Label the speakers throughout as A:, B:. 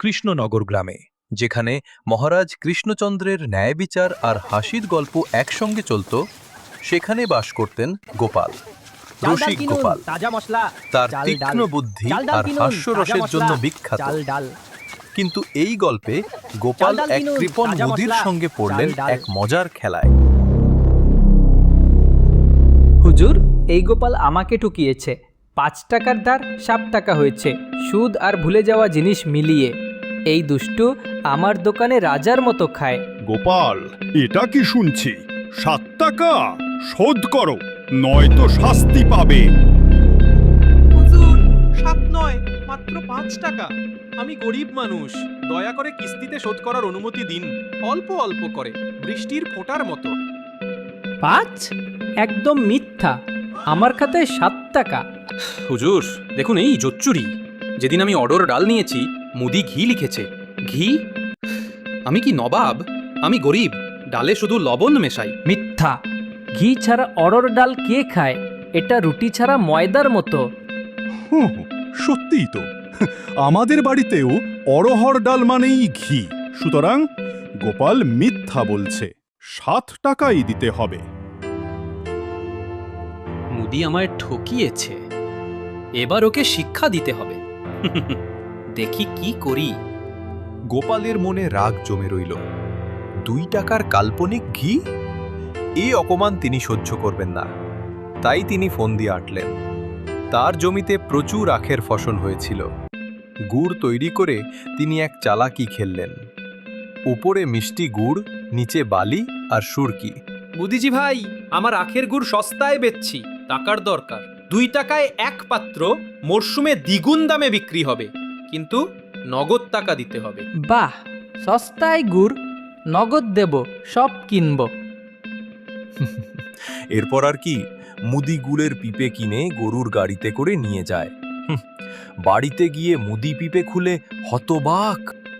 A: কৃষ্ণনগর গ্রামে, যেখানে মহারাজ কৃষ্ণচন্দ্রের ন্যায় বিচার আর হাসির গল্প একসঙ্গে চলত। সেখানে বাস করতেন গোপাল, রসিক গোপাল। তার তীক্ষ্ণ বুদ্ধি আর হাস্যরসের জন্য বিখ্যাত। কিন্তু এই গল্পে গোপাল এক কৃপণ মুদির সঙ্গে পড়লেন এক মজার খেলায়।
B: হুজুর, এই গোপাল আমাকে ঠকিয়েছে। 5 টাকার ধার 7 টাকা হয়েছে, সুদ আর ভুলে যাওয়া জিনিস মিলিয়ে। এই দুষ্টু আমার দোকানে রাজার মতো খায়।
C: গোপাল, এটা কি শুনছি? 7 টাকা শোধ করো, নয়তো শাস্তি পাবে।
D: হুজুর, 7 নয়, মাত্র 5 টাকা। আমি গরিব মানুষ, দয়া করে কিস্তিতে শোধ করার অনুমতি দিন। অল্প অল্প করে, বৃষ্টির ফোঁটার মতো।
B: 5? একদম মিথ্যা। আমার খাতায় 7 টাকা।
E: হুজুর দেখুন, এই জোচ্চুরি। যেদিন আমি অর্ডার ডাল নিয়েছি, মুদি ঘি লিখেছে। ঘি? আমি কি নবাব? আমি গরিব, ডালে শুধু লবণ মেশাই।
B: মিথ্যা। ঘি ছাড়া অড়র ডাল কে খায়? এটা রুটি ছাড়া ময়দার মতো।
C: সত্যিই তো, আমাদের বাড়িতেও অরহর ডাল মানেই ঘি। সুতরাং গোপাল মিথ্যা বলছে, 7 টাকাই দিতে হবে।
E: মুদি আমায় ঠকিয়েছে, এবার ওকে শিক্ষা দিতে হবে। দেখি কি করি।
A: গোপালের মনে রাগ জমে রইল। 2 টাকার কাল্পনিক ঘি? এই অপমান তিনি সহ্য করবেন না। তাই তিনি ফোন দিয়ে আটলেন। তার জমিতে প্রচুর আখের ফসল হয়েছিল। গুড় তৈরি করে তিনি এক চালাকি খেললেন। উপরে মিষ্টি গুড়, নিচে বালি আর সুরকি।
D: মুদিজি ভাই, আমার আখের গুড় সস্তায় বেচছি, টাকার দরকার। 2 টাকায় 1 পাত্র, মরশুমে দ্বিগুণ দামে বিক্রি হবে, কিন্তু নগদ টাকা দিতে হবে।
B: বাহ, সস্তায় গুড়, নগদ দেব, সব কিনব।
A: এরপর আর কি, মুদি গুড়ের পিপে কিনে গরুর গাড়িতে করে নিয়ে যায়। বাড়িতে গিয়ে মুদি পিপে খুলে হতবাক।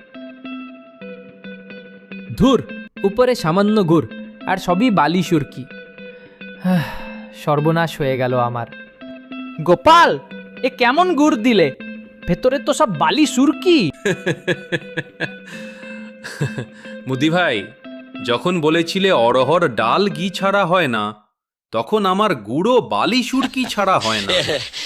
B: ধুর, উপরে সামান্য গুড় আর সবই বালি সুরকি। সর্বনাশ হয়ে গেল আমার। গোপাল, এ কেমন গুড় দিলে? ভেতরে তো সব বালি সুরকি।
E: মুদি ভাই, যখন বলেছিলে অরহর ডাল ঘি ছাড়া হয় না, তখন আমার গুঁড়ো বালি সুরকি ছাড়া হয় না।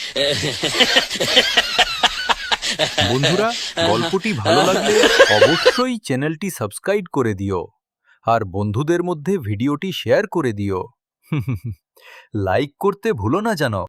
A: বন্ধুরা, গল্পটি ভালো লাগলে অবশ্যই চ্যানেলটি সাবস্ক্রাইব করে দিও আর বন্ধুদের মধ্যে ভিডিওটি শেয়ার করে দিও। লাইক করতে ভুলো না যেন।